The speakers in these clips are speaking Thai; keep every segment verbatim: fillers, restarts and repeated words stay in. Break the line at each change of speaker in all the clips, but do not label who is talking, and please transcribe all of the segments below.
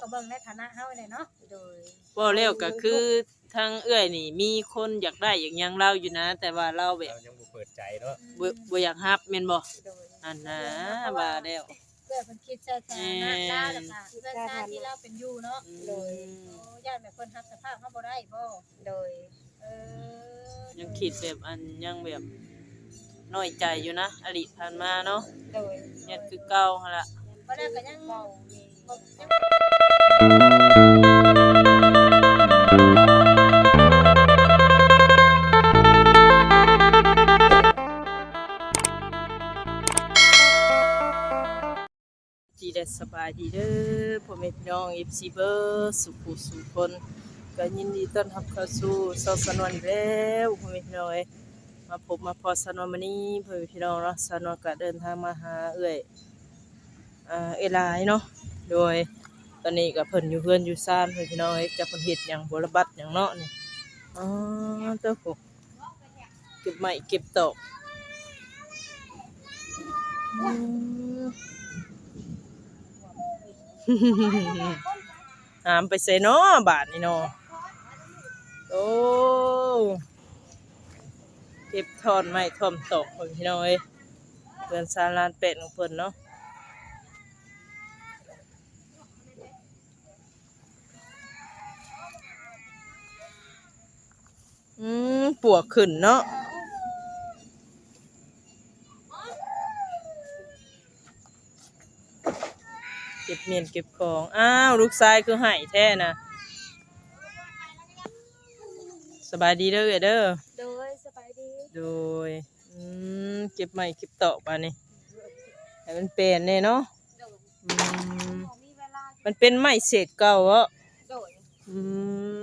เบิ่งในฐานะเฮาเนี่ยเนาะโดย
บ่แล้วก็คือทางเอื้อยนี่มีคนอยากได้อย่างหยังเราอยู่นะแต่ว่าเราแบบ
เรายังบ่เปิดใจเนาะ
บ่บ่อยากรับแม่นบ่
โดย
อันนะว่าแล้ว
เพื่อเพิ่นคิดสถานะลาวแล้วก็เพื่อนชาติที่เราเป็นอยู่เนาะโดยโอ้ญาติแบบเพิ่นรับสภาพเฮาบ่ได้บ่โดยเออ
ยังคิดแบบอันยังแบบน้อยใจอยู่นะอดีตผ่านมาเนาะ
โดย
ยันคือเก่าหั่นล่ะ
บ่ได้ก็ยังเว้า
จีได้สบายดีเด้อพ่อแม่พี่น้อง เอฟ ซี เบอร์สุขุสุขคนก็ยินดีต้อนรับเข้าสู่ซอสนวนอีกแล้วพ่อแม่พี่น้องเอ้ยมาพบมาพอสนวนมื้อนี้พ่อแม่พี่น้องเนาะสนวนก็เดินทางมาหาเอื้อยอ่าเอหลายเนาะโดยตอนนี้ก็เพิ่นอยู่เฮือนอยู่ซ่านพ่อแม่พี่น้องเอ้ยจักเพิ่นเฮ็ดหยังบ่ระบัดหยังเนาะนี่อ๋อเต้าหูเก็บไม้เก็บตอกอืม หามไปใส่เนาะบาทนี่เนาะโอ้เก็บทอนไม้ท่อมตอกของพี่น้องเอ้ยเพื่อนซาลานเป็ดของเพิ่นเนาะอืมปวกขึ้นเนาะเก็บเมียนเก็บของอ้าวลูกชายคือไห้แท้นะสบายดีเด้อเด้อ
โดยสบายดี
โดยอืมเก็บไม้เก็บตอกปานี่ให้มันเป็นแน่เนาะอืมมันเป็นไม้เศษเก่าเหรอ
โดย
อืม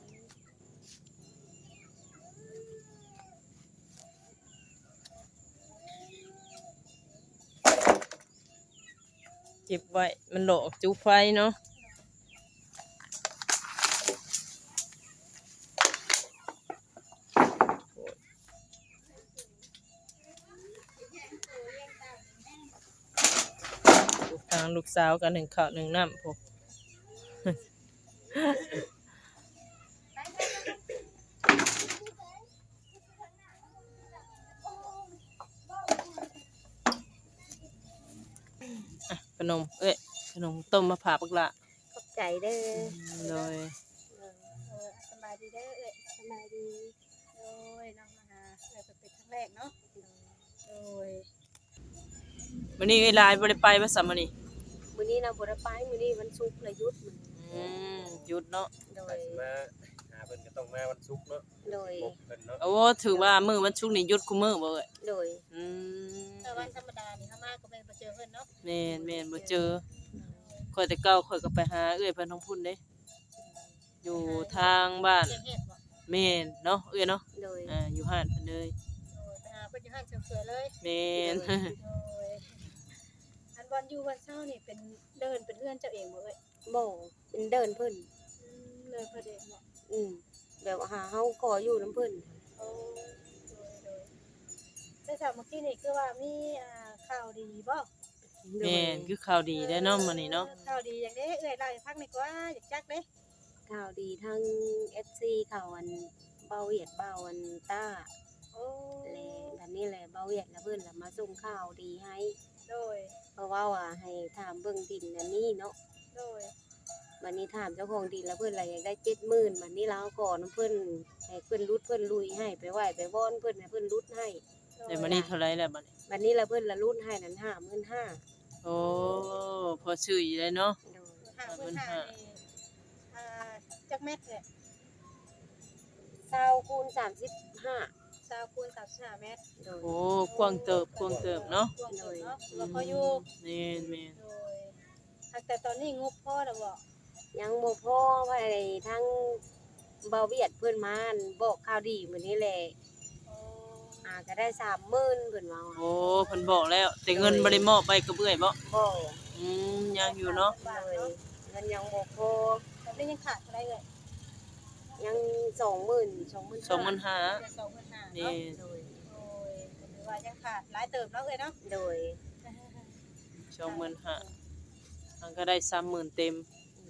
เก็บไว้มันหลอกจุไฟเนาะทางลูกสาวกันหนึ่งข้าวหนึ่งน้ำพวกขนมเอ้ยขนมต้มมะพร้าวปักละ
ขอบใจเด้อ
เลย
สบายดีเด้อเอ้ยสบายดีโดยน้องมาหาเอ้ยเป็นครั้งแรกเนาะโดย
วันนี้ไอ้ลายบริไปภาษามันนี่
มื้อนี้นะบ่ได้ไปมื้อนี้วันศุกร์เลยหยุดมื้อ
อืมหยุดเนาะ
โดย
มาหาเพิ่นก็ต้องมาวันศุกร์เนาะ
โดย
เพิ่นเนาะ
โอ้ถือว่ามื้อวันศุกร์นี่หยุดคุมื้อบ่เอ้ย
โดย
อืม
แต่วันธรรมดานี่เฮามาก็แม่นบ่เจอเพิ่นเนาะ
แม่นแม่นบ่เจอข่อยแต่เก่าข่อยก็ไปหาเอ้ยเพิ่นท้องพุ่นเด้อยู่ทางบ้านแม่นเนาะเอ้ยเนาะ
โดย
อ่าอยู่ห้านเพิ่นเลย
โดยไปหาเพิ่นอยู่ห้านเฉยๆเลย
แม่น
โดยอันวันอยู่วันเช้านี่เป็นเดินเป็นเพื่อนเจ้าเองบ่เอ้ยบ่เป็นเดินเพิ่นอืมเดินเพิ่นเองบ่อืมแบบหาเฮาขออยู่นำเพิ่นโอ้โดยๆแต่ถ้าเมื่อกี้นี่คือว่ามีอ่าข่าวดีบ่
แม่นคือข่าวดีได้เนาะมื้อนี้เนาะ
ข่าวดีอย่างนี้เอ้ยเล่าให้ฟังหน่อยกว่าอยากจักเด้ข่าวดีทั้ง เอฟ ซี เขาอันเบาเวียดเบาอันต้าโอ้เลยแบบนี้แหละเบาเวียดแล้วเพิ่นล่ะมาส่งข่าวดีให้โดยเพราะว่าว่าให้ถามเบิ่งดินอันนี้เนาะโดยวันนี้ถามเจ้าของดินแล้วเพิ่นล่ะอยากได้ เจ็ดหมื่น บัดนี้เราขอนำเพิ่นให้เพิ่นรุดเพิ่นลุยให้ไปไหว้ไปว่อนเพิ่นให้เพิ่นรุดให้
แต่มื้อนี้เท่าไหร่แล้วบัดนี้
บัดนี้ล่ะเพิ่นละรุดให้นั้น ห้าหมื่นห้าพัน
โอ้พอซื้ออยู่เลยเนาะ
ห้าหมื่นห้าพันนี่อ่าจักเม็ดเนี่ยยี่สิบคูณสามสิบห้า ยี่สิบคูณสามสิบห้าเมตร
โอ้กว้างเติบกว้างเติบเนาะ
กว้างเติบเนาะแล้วพออยู่
แม่นแม่น
โดยแต่ตอนนี้งบพอแล้วบ่ยังบ่พอไว้ทั้งเบาเวียดเพิ่นมาบอกข่าวดีมื้อนี้แหละอ่าก็ได้ สามหมื่น เพิ่นว่า
โอ้เพิ่นบอกแล้วแต่เงินบ่ได้มอบไปกับเอื้อยบ่
บ่
อืมยังอยู่เนาะ
เงินยังบ่พอตอนนี้ยังขาดเท่าไหร่เอ่ยยัง สองหมื่น สองหมื่น
สองหมื่นห้าพัน
สองหมื่นห้าพันนี่โดยโอ้ยถือว่ายังขาดหลายเติบเนาะเอ้ยเนาะโดย
สองหมื่นห้าพันมันก็ได้ สามหมื่น เต็ม
โดย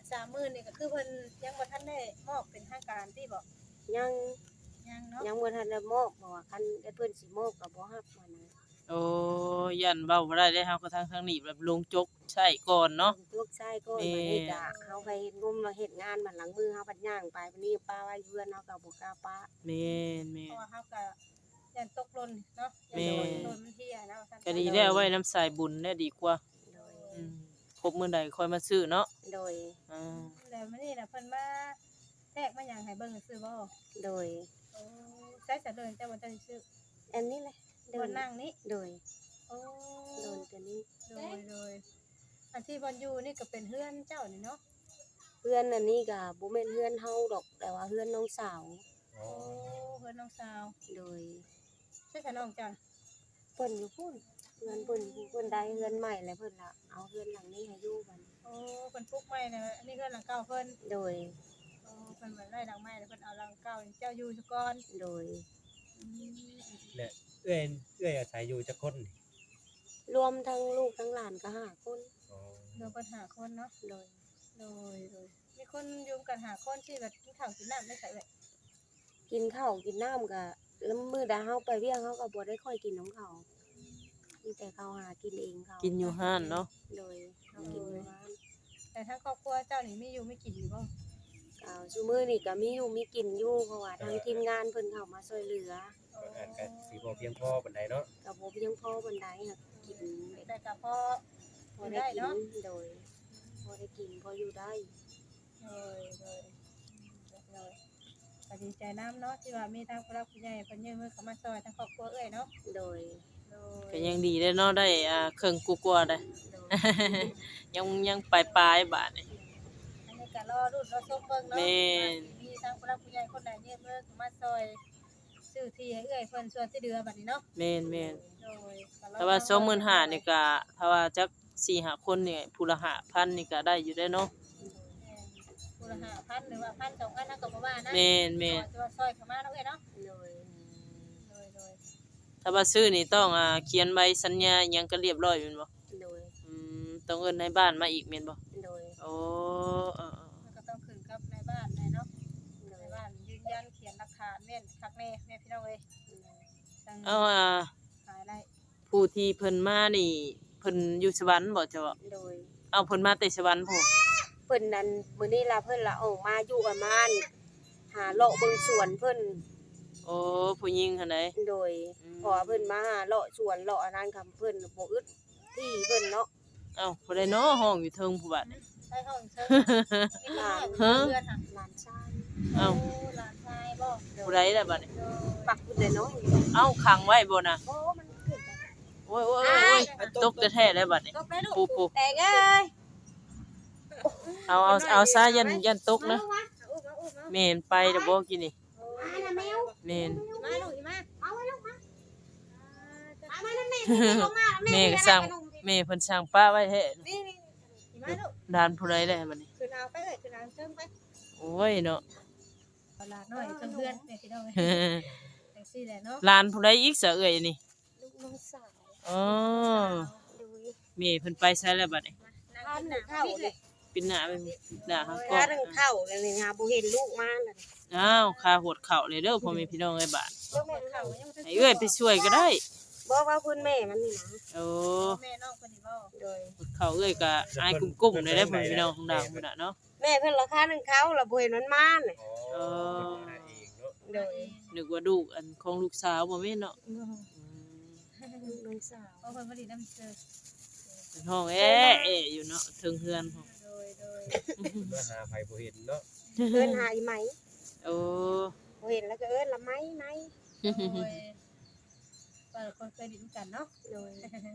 สามหมื่นนี่ก็คือเพิ่นยังบ่ทันได้มอบเป็นทางการที่บ่
ยัง
ยังเนาะ
ยังบ่ทันได้มอบเพราะว่าคันได้เพิ่นสิมอบก็บ่รับมานะ
โอ้ยันเว้าบ่ได้เด้เฮาก็ทางทางนี้แบบลงจกใช้ก่อนเนาะ
ลูกชายก็บัดนี้ก็เฮาไปเฮ็ดงมมาเฮ็ดงานมันหลังมือเฮาบัดย่างไปบัดนี้ป้าไว้เพื่อนเฮาก็บ่กล้าป้า
แม่นแม่
เพราะ
น
ว่าเฮาก็ยันตกหล่นเนาะ
แม่
ยันโดนมันเที่ยเนาะท่าน
ก็ดีแล้วไว้น้ำสายบุญแน่ดีกว่า
โดย
อืมครบมื้อใดค่อยมาซื้อเนาะ
โดย
อ่า
แล้วมื้อนี้น่ะเพิ่นมาแทรกมาหยังให้เบิ่งซื่อบ่
โดย
โอ้ใช้สะเดินแต่บ่ทันได้ซื้อ
อันนี้แหละเดิ
บ่
น
นั่งนี่
โดย
โอ้
โดนตัวนี้
โดยโดยอันที่บอลอยู่นี่ก็เป็นเฮือนเจ้านี่เนาะ
เพื่อนอันนี้ก็บ่แม่นเพื่อนเฮาดอกแต่ว่าเพื่อนน้องสาว
อ๋อ
โอ้เฮือนน้องสาว
โดย
ใช่ค่ะน้องจ้ะ
เพิ่นอยู่พุ่นเพื่อนเพิ่นอยู่เพิ่นได้เฮือนใหม่แล้วเพิ่นละเอาเฮือนหลังนี้ให้อยู่บัดนี้
โอ้เพิ่นปลูกไม้นะอันนี้เฮือนหลังเก่าเพิ่น
โดย
โอ้เพิ่นบ่ได้หลังไม้แล้วเพิ่นเอาหลังเก่านี่เจ้าอยู่ซะก่อน
โดย
อืม
และเอื้อยเอื้อยอาศัยอยู่จักคนนี่
รวมทั้งลูกทั้งหลานก็ห้าคน
อ๋อ
เดี๋ยวเพิ่นหาคนเนาะ
โดย
โดยโดยมีคนอยู่กันหาคนที่แบบกินข้าวกินน้ำได้ใส่เว้ย
กินข้าวกินน้ำก็แล้วมื้อใดเฮาไปเวียงเฮาก็บ่ได้ค่อยกินของเขามีแต่เขาหากินเองเขา
กินอยู่ห้านเนาะ
โดยเขากินอยู่ร้าน
แต่ทั้งครอบครัวเจ้านี่มีอยู่ไม่กินอยู่บ่
ก็ซุมื้อนี่ก็มีอยู่มีกินอยู่เพราะว่าทางทีมงานเพิ่นเข้ามาช่วยเหลือ
โอ้
อาจก็สิบ่เพียงพอปานใดเนาะ
ก็บ่เพียงพอปานใดค่ะกิน
แต่ก็พอพ
พ
อ
อ
ได้
ได้กิน
เนาะ
โดยพอได้กินพออยู่ได้
เลยเลยเลยก็ดีใจน้ำเนาะที่ว่ามีทางผู้รักผู้ใหญ่เพิ่นยื่นมือเข้ามาซอยทางครอบครัวเอ้ยเนาะ
โดย
โด
ก็
ย
ยังดีได้เนาะได้อ่าเครื่องกลัวๆได้
โดย
ยังยังปลายๆบาดนี่
อันนี้ก็รอรุ่นรอชมเบิ่งเนาะ
แม่น
มีทางผู้รักผู้ใหญ่คนใดยื่นมือเข้ามาซอยซื้อที่ให้เอ้ยเพิ่นส่วนที่เดือบัดนี้เนาะ
แม่นแม่น
โดยก็รอ
แต่ว่าสองหมื่นห้าพันนี่ก็ถ้าว่าจักสี่ห้าคนนี่ผู้ละห้าพันนี่ก็ได้อยู่ได้เนาะ
ผู้ละห้าพันหรือว่าพันสองพันเท่ากับบ่ว่านะ
แม่นแม่น
แต่ว่าซอยเข้ามาเนาะเอ้ยเนาะ
โดย
โดยโดย
ถ้าว่าซื้อนี่ต้องอ่าเขียนใบสัญญาหยังก็เรียบร้อยแม่นบ่
โดย
อืมต้องเอิ้นในบ้านมาอีกแม่นบ่
โดย
โอ้เออ
มันก็ต้องขึ้นกับในบ้านในเนาะในบ้านยืนยันเขียนหลักฐานแม่นคักแน่แม่พี่น้องเอ้ยตั้ง
ๆเอาอ่า
ขายได้
ผู้ที่เพิ่นมานี่เพิ่นอยู่สวรรค์บ่เจ้า
โดย
เอาเพิ่นมาแต่สวรรค์พุ่น
เพิ่นนั้นมื้อนี้ล่ะเพิ่นละออกมาอยู่ประมาณหาเลาะเบิ่งสวนเพิ่น
โอ้ผู้หญิงหั่นใด
โดยเพราะว่าเพิ่นมาหาเลาะสวนเลาะอันนั้นคำเพิ่นบ่อึดที่เพิ่นเนาะ
เอ้าผู้ใดเนาะห้องอยู่เทิงผู้บัดนี่
ใช้ห้องเชิญมีคนน้อยเพื่อนค่ะ
หลานชาย
เอ้า
หลานชายบ่
ผู้ใดล่ะบัดนี้
โดย
ปักเพิ่นได้น้อย
เอ้าขังไว้บ่น่ะ
โอ้มันขึ้นไป
โอ้ยโอ้ยโอ้ยตกแท้ๆแล้วบัดนี้
ตกไปลูก
ปูปู
แตกเอ้ย
เอาเอาเอาซะยันยันตกนะ
อุ้มมาอุ้มมา
แม่นไปเด้อบ่กินนี่
มาน่ะแมว
แม่น
อีมาลูกอีมา
เอาไว้ลูกมา
อ่า
มานั่นแม่ลงมา
แม่ก็สร้างแม่เพิ่นสร้างป้าไว้แท้
นี่นี่อีมาลูก
ด้านผู้ใดได้บัดนี้
คือเอาไปเลยคือเอาเชิญไป
โอ้ยเนาะ
เอาหลานน้อยเพื่อนๆแม่พี่น้องเอ้ยจังซี่แหละเนาะ
หลานผู้ใดอีกซะเอ้ยนี่
ลูกน้องสาว
อ๋อ
ดู
แม่เพิ่นไปไสแล้วบัดนี้
ทานหนึ่งเข้าเลย
ปินหน้าไปหน้าเฮาก็
ทานหนึ่งเข้าเลยนี่ฮะบ่เห็นลูกมาเลย
อ้าวค่าโหดเข้าเลยเด้อพ่อแม่พี่น้องเอ้ยบาด
ลูกแม่
เขา
เข้า
ยังบ่ทัน
ให้เอ้ยไปช่วยก็ได้
บอกว่าคุณแม่มันนี่นะ
โอ้
แม่น้องเพิ่นนี่บ่
โดย
โหดเข้าเอ้ยก็อายกุ้มๆเลยได้อพ่อแม่พี่น้องของดาวพุ่นน่ะเนาะ
แม่เพิ่นราคาหนึ่งเข้าแล้วบ่เห็นมันมาเนี่ย
อ๋อเพิ่นหาเองเนาะ
โดย
นึกว่าลูกอันของลูกสาวบ่แม่นเนาะอืม
ลูกน้องสาว
เพราะเพิ่นบ่ได้นำเจอ
เป็นห้องแอ๊ะแอะอยู่เนาะเทิงเฮือนห้อง
โดยโดย
มาหาไผบ่เห็นเนาะ
เอิ้นหาอีไหม
โอ้
บ่เห็นแล้วก็เอิ้นละไหมไหม
โดยว่าคนเคยดิ้นกันเนาะ
โดย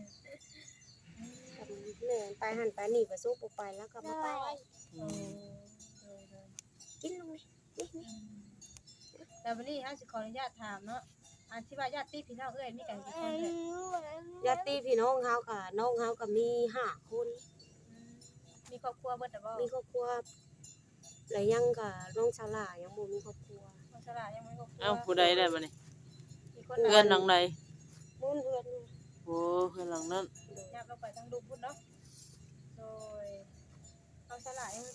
แม่ไปหันไปนี่ก็สู้บ่ไปแล้วก็บ่ไป
โอ้โดยโดย
กินลงนี่นี่
แต่วันนี้เฮาสิขออนุญาตถามเนาะอันที่ว่าญาติพี่น้องเอ้ยมีกันกี่คนเอ้ย
ญาติพี่น้องเฮาค่ะน้องเฮาก็มีห้าคน
มีครอบครัวเบิดแต่บ่
มีครอบครัวแล้วยังก็น้องชาลายังบ่มีครอบครัว
คนฉลาดยังไม่ครอบครัว
เอ้าผู้ใดได้บัดนี้
มีคน
เพื่อนหลังใด
มุ่นเพื่อน
โอ้เพื่อนหลังนั้น
ยับลงไปทางลูกพุ่นเนาะโดยเขาฉลาดยังไม่ค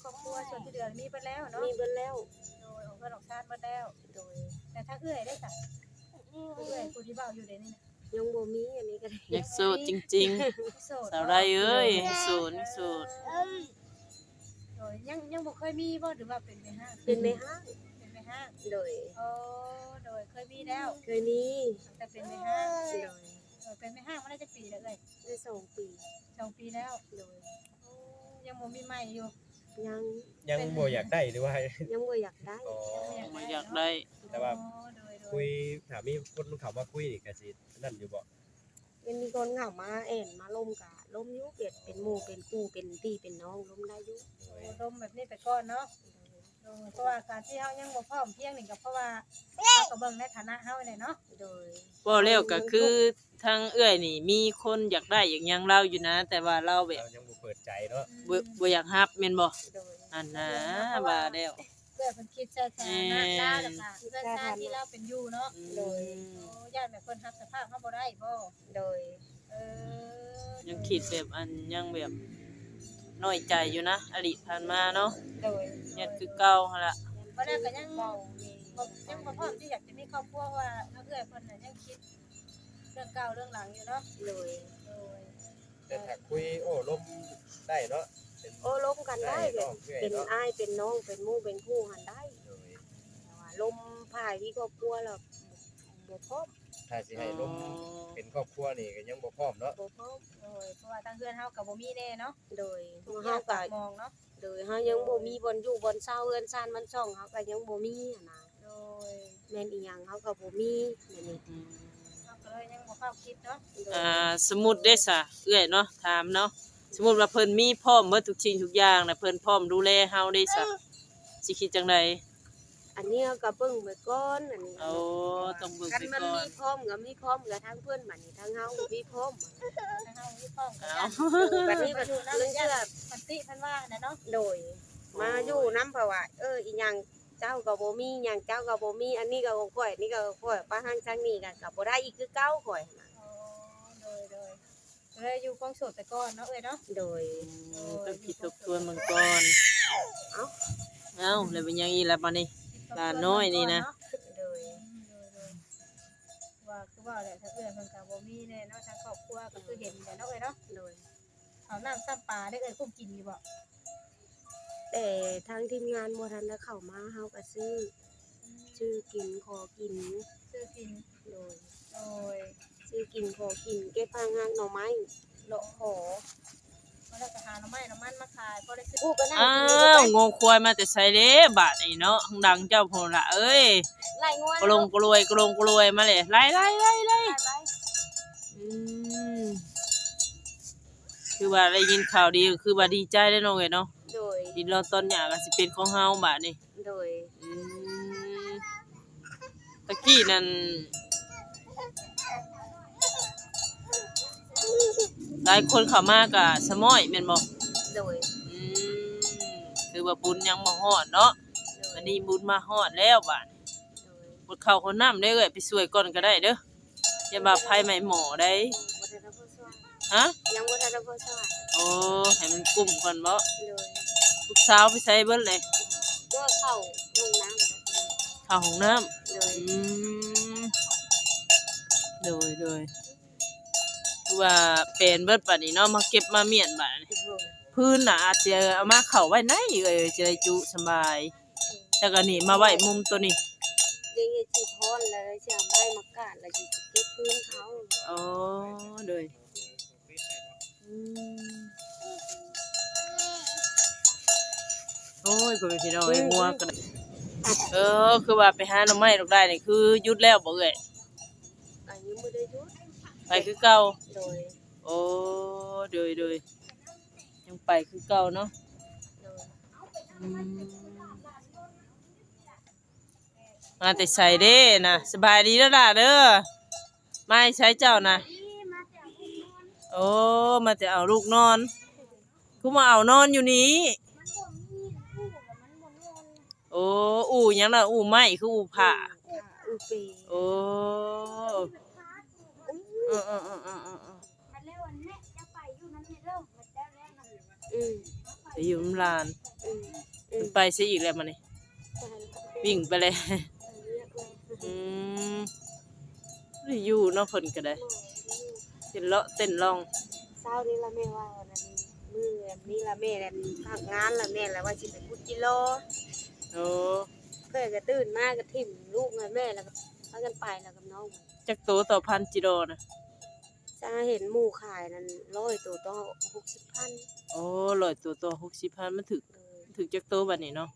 ครอบครัวส่วนที่เหลือมีไปแล้วเนาะ
มีเบิดแล้ว
โดยของเพื่อนของชาติมาแล้ว
โดย
แต่ถ้าเอื้อยได้จ้ะเอื้อยผู้ที่เบ้าอยู่ในนี่นะ
ยังบ่มีอันนี้ก็ได้
อยากโสดจริง
โสด
ๆสาวไรเอ้ยโสดโสด
โดยยังยังบ่เคยมีบ่หรือว่าเป็นในห้าง
เป็นในห้าง
เป็นในห้าง
โดย
โอ้โดยเคยมีแล้ว
เคยมี
แต่เป็นในห้าง
โดย
โดยเป็นในห้างมาได้จักปีแล้วเอ้ย
ได้สองปี
สองปีแล้ว
โดย
โอ้ยังบ่มีใหม่อยู่
ยัง
ยังบ่อยากได้หรือว่า
ยังบ่อยากได้
อ๋อ
บ่อยากได้
แต่ว่า
โอ้โดยโด
คุ
ย
ยถามมีคนเขามาคุยนี่ก็สินั่นอยู่บ่
เป็นมีคนเข้ามาแอนมาล้มกะล้มอยู่เป็ดเป็นหมู่เป็นคู่เป็นพี่เป็นน้องล้มได้อยู่
โดย
ลมแบบนี้ไปก่อนเนาะโดยเพราะว่าการที่เฮายังบ่พร้อมเพรียงนี่ก็เพราะว่าเฮาก็เบิ่งในฐานะเฮาเนี่ยเนาะ
โดย
บ่แล้วก็คือทางเอื้อยนี่มีคนอยากได้อย่างหยังเราอยู่นะ แต่ว่าเราแบบ
เรายังบ่เปิดใจเนาะ
บ่บ่อยากรับแม่นบ่
โดย
อันนะว่าแล้ว
เพื่อเพิ่นคิดใช้ฐานะลาแล้วก็เพื่อนชาติที่เราเป็นอยู่เนาะ
โดย
โอ้ย่านแบบเพิ่นรับสภาพเฮาบ่ได้บ่
โดย
เออ
ยังคิดแบบอันยังแบบน้อยใจอยู่นะอดีตผ่านมาเนาะ
โดย
ยัดคือเก่าหั่นล่ะ
บ่ได้ก็ยัง
เบา
บ่ยังบ่พร้อมที่อยากจะมีครอบครัวว่าเฮาเอื้อยเพิ่นน่ะยังคิดเรื่องเก่าเรื่องหลังอยู่เนาะ
โดย
โดย
แต่ถ้าคุยโอ้ลมได้เนาะเป็น
โอ้ล้มกันได้เลย
น้องเอื้อย
เป็น
เนาะ
อ้ายเป็นน้องเป็นหมู่เป็นคู่หันได้
โดย
แต่ว่าล้มพายที่ครอบครัวแล้วบ่พร้อม
ถ้าสิให้ลมเป็นครอบครัวนี่ก็ยังบ่พร้อมเนาะ
บ่พร้อม
โดยเพราะว่าทางเพื่อนเฮาก็บ่มีแน่เนาะ
โดย
ทุกอ
เฮา
ย่าง
ก็
ก็มองเนาะ
โดยเฮายังบ่มีบ่อนอยู่บ่อนเช่าเฮือนซ่านมันช่องเฮาก็ยังบ่มีหันน่ะ
โดย
แม่นอีหยังเฮาก็บ่มีนั่นนี่
อืม
เฮาก็เลยยังบ่เข้าคิดเนาะ
โดย
อ่าสมมุติได้ซะเอื้อยเนาะถามเนาะสมมุติว่าเพิ่นมีพร้อมหมดทุกสิ่งทุกอย่างน่ะเพิ่นพร้อมดูแลเฮาได้ซะสิคิดจังได
อันนี้เฮาก็เบิ่งไว้ก่อนอันนี้
เอาต้องเบิ่ง
คัน
ไป
มัน
ก่อ
มี
น
พร้อมก็มีพร้อมกับทางเพิ่นบัดนี้ทางเฮาก็มีพร้อม
ถ้าเฮามีพร้อมกัน
เอา
บัดนี้บัด
อยู่
นี้
นำ
เรื่อง
ญา
เชื่อ
ติมันติเพิ่นว่าน่ะเนาะ
โดย มาอยู่นำเพราะว่าเอออีหยังเจ้าก็บ่มีหยังเจ้าก็บ่มีอันนี้ก็ของข่อยอันนี้ก็ของข่อยป้าทางทางนี้ก็ก็บ่ได้อีกคือเก่าข่อยน่ะ
อ๋อโดยโดยเลยอยู่กองโสดไปก่อนเนาะเอ้ยเนาะ
โดย
ต้องคิดทบทวนเบิ่งก่อน
เอ้า
เอ้าแล้วเป็นยังอีกล่ะบัดนี้ หลานน้อยนี่นะ
โดย
โดยโดยว่าคือว่าแหละถ้าเอื้อยเพิ่นก็บ่มีแน่เนาะทางครอบครัวก็คือเห็นแหละเนาะเอ้ยเนาะ
โดย
เอาน้ำซ้ำปลาได้เอ้ยกุ้งกินอยู่บ่
แต่ทางทีมงานบ่ทันได้เข้ามาเฮาก็ซื้อชื่อกินขอกิน
ซื้อกิน
โดย
โดย
ซื้อกินขอกินเก็บพางางหน่อไม้เลาะขอ
มาแล้วก็หาหน่อไม้หน่อมันมาขายพอได้ซื้อ
กูก็นั่ง
อ้า
กินนี่ก็
ว
ไป
งงควายมาแต่ไสเด้บาดนี้เนาะข้างดังเจ้าพุ่นล่ะเอ้ย
ไล่งัว
กลงกลวยกลงกลวยมาเลยไล่ไล่ไล่ไล่
ไล่ไป
อืมคือว่าได้ยินข่าวดีก็คือว่าดีใจได้อน้องเอ้ยเนาะ
โดย
ดินรอนตอนหญ้าก็สิเป็นของเฮาบาดนี้
โดย
อืมตะกี้นั่นหลายคนเข้ามาก็สะม้อยแม่นบ่
โดย
อืมคือว่าบุญยังบ่ฮอดเนาะ
โดย
วันนี้บุญมาฮอดแล้วบาด
โดย
บดข้าวคนน้ำได้เอ้ยไปช่วยก่อนก็ได้เด้ออย่ามาภัยใหม่หมอได้
บ่ทันได้ผู้ช่วย
ฮะ
ยังบ่ทันได้ผู้ช่วย
โอ้ให้มันกลุ่มก่อนบ่
โดย
ลูกสาวไปใส่เบิดเลย
ก็เข้าห้องน้ำ
เข้าห้องน้ำ
โดย
อืมโดยโดยคือว่าเป็นเบิดบัดนี้เนาะมาเก็บมาเมียนบัดนี้
โดย
พื้นน่ะอาจจะเอามาเข้าไว้ในเอ้ยจะได้จุสบายแต่ก็นี่มาไว้มุมตัวนี้
เดี๋ยวสิพรแล้วสิเอาไม้มากาดแล้วสิเก็บพื้นเขา
อ๋อโดยอืมโอ้ยก็เป็นพี่น้องไอ้งัวก็ได้เออคือว่าไปหาหน่อไม้ดอกได้นี่คือหยุดแล้วบ่เอ้ย
อันนี้บ่ได้หยุด
ไปคือเก่า
โดย
โอ้โดยโดยยังไปคือเก่าเนาะ
โดย
อืมมาแต่ใส่เด้นะสบายดีแล้วล่ะเด้อไม่ใช้เจ้านะโอ้มาแต่เอาลูกนอนกูมาเอานอนอยู่นี้โอ้อู่หยังล่ะอู่ไม้คืออู่ผ้า
อุปี
โอ้เออเออเออเออเออ
อืม
ไปอยู่น้ำลาน
โอืมอื
เพิ่
ม
นไปซิอีกแล้วมื้อนี้วิ่งไปเลย อืมได้อยู่เนาะเพิ่นก็ได้เต้นเลาะเต้นร้อง
เช้านี้ละแม่ว่าวันนี้มือนี้ละแม่แล้วพักงานละแม่แล้วว่าสิไปพุดกิโล
โอ้
เพื่อนก็ตื่นมาก็ถิ่มลูกกับแม่แล้วก็พากันไปแล้วกับน้อง
จักโตต่อพันจิโร่น่ะ
จะเห็นหมู่ขายนั่นร้อยตัวต่อหกสิบพัน
โอ้ร้อยตัวต่อหกสิบพันมันถึก
เลย
ถึกจักโตบัดนี้เนาะ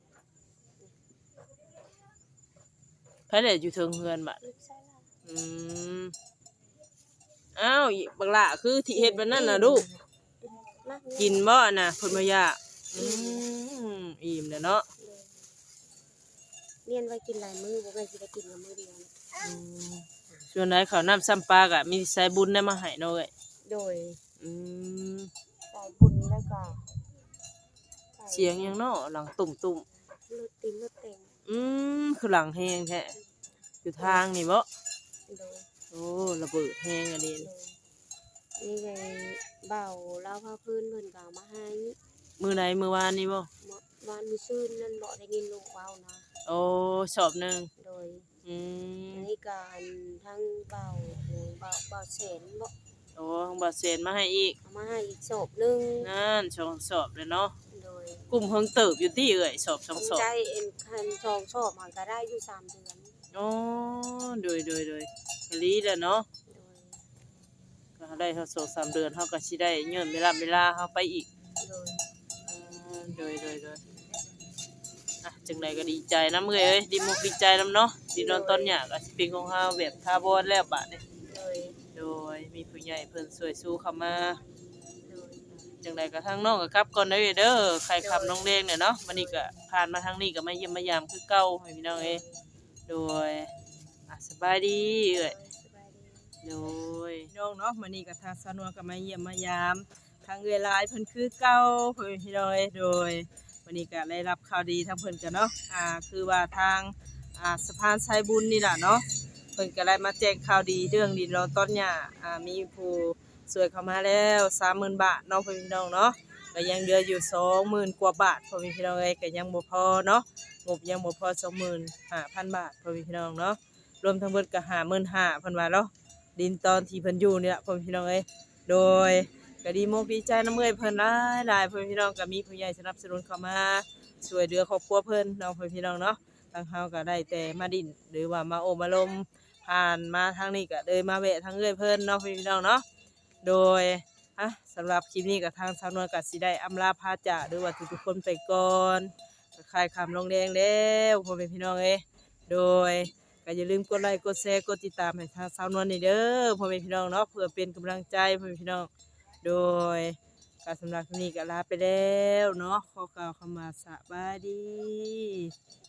ไผได้อยู่เทิงเฮือนบัด
ลูกใช่ละ
อืมอ้าวอีบักละคือที่เฮ็ดบัดนั้นน่ะลูก
มาก
กินบ่น่ะเพิ่นบ่อยากอืมอิ่มแล้วเนาะ
เรียนไว้กินหลายมื้อบ่ได้สิได้กินกับมื้อเดียว
อืมส่วนไหนข้าวน้ำซ้ำปลาก็มีสายบุญได้มาให้เนาะเอ้ย
โดย
อืม
สายบุญแล้วก็
เสียงหยังเนาะหลังตุ่ม
รถตินรถแต่ง
ๆอืมคือหลังแฮงแท้อยู่ทางนี่บ่
โดย
โอ้ระเบิดแฮงอันนี้
โดยนี่ไงเบาเล่าผ้าพื้นเพิ่นก็เอามาให้
มื้อใดมื้อวานนี่บ่
เมื่อวานมื้อซื่นนั่นบ่ได้ยินลูกเว้านะ
โอ้สอบหนึง
โดย
อืม
อันนี้การทั้งเบาหรือเบาเบาแสนบ่
โอ้บ่เซ็นมาให้อีก
เอามาให้อีกศพหนึง
นั่นสองสอบเลยเนาะ
โดย
กลุ่มเฮิงเติบอยู่ที่เอ่ยสอบสองสอบ
ใจเอ็นคันชองชอบมันก็ได้อยู่สามเดือน
อ๋อโดยโดยโดยกะลีแหละเนาะ
โดย
ก็ได้เฮาสองสามเดือนเฮาก็สิได้ย้อนเวลาเวลาเฮาไปอีก
โดย
อืมโดยโดยโดยอ่ะจังไดก็ดีใจนำเอ้ยเอ้ยดีมุกดีใจนำเนาะที่นอนตอนเนี้ยก็สิเป็นของเฮาแบบทาบอนแล้วบัดนี้
โดย
โดยมีผู้ใหญ่เพิ่นช่วยสู้เข้ามา
โดย
จังไดก็ทางน้องก็กลับก่อนเด้อเด้อใครขับน้องแดงเนี่ยเนาะวันนี้ก็ผ่านมาทางนี้ก็มาเยี่ยมมายามคือเก่าให้พี่น้องเอ้ยโดยอ่ะสบายดีเอ้ย
สบายดี
โดยน้องเนาะมื้อนี้ก็ทางสาวนวลก็มาเยี่ยมมายามทางเอื้อยหลายเพิ่นคือเก่าเพิ่นพี่น้องเอ้ยโดยวันนี้ก็ได้รับข่าวดีทางเพิ่นกันเนาะอ่าคือว่าทางอ่าสะพานสายบุญนี่ล่ะเนาะเพิ่นก็ได้มาแจ้งข่าวดีเรื่องดินรอต้นหญ้าอ่ามีผู้ช่วยเข้ามาแล้วสามหมื่นบาทเนาะเพิ่นพี่น้องเนาะก็ยังเหลืออยู่สองหมื่นกว่าบาทเพิ่นพี่น้องเอ้ยก็ยังบ่พอเนาะงบยังบ่พอ สองหมื่นห้าพัน บาทเพิ่นพี่น้องเนาะรวมทั้งเบิดก็ ห้าหมื่นห้าพัน เพิ่นว่าเนาะดินตอนที่เพิ่นอยู่นี่ล่ะเพิ่นพี่น้องเอ้ยโดยก็ดีมกดีใจนำเอ้ยเพิ่นหลายหลายเพิ่นพี่น้องก็มีผู้ใหญ่สนับสนุนเข้ามาช่วยเหลือครอบครัวเพิ่นเนาะเพิ่นพี่น้องเนาะทางเฮาก็ได้แต่มาดินหรือว่ามาโอมาลมผ่านมาทางนี้ก็เลยมาแวะทางเอ้ยเพิ่นเนาะเพิ่นพี่น้องเนาะโดยอ่ะสำหรับคลิปนี้ก็ทางสาวนวลก็สิได้อำลาพาจากหรือว่าทุกๆคนไปก่อนก็คลายคำลงแดงแล้วพ่อแม่พี่น้องเอ้ยโดยก็อย่าลืมกดไลค์กดแชร์กดติดตามให้ทางสาวนวลนี่เด้อพ่อแม่พี่น้องเนาะเพื่อเป็นกำลังใจพ่อแม่พี่น้องโดยก็สำหรับคลิปนี้ก็ลาไปแล้วเนาะขอกล่าวคำว่าสบายดี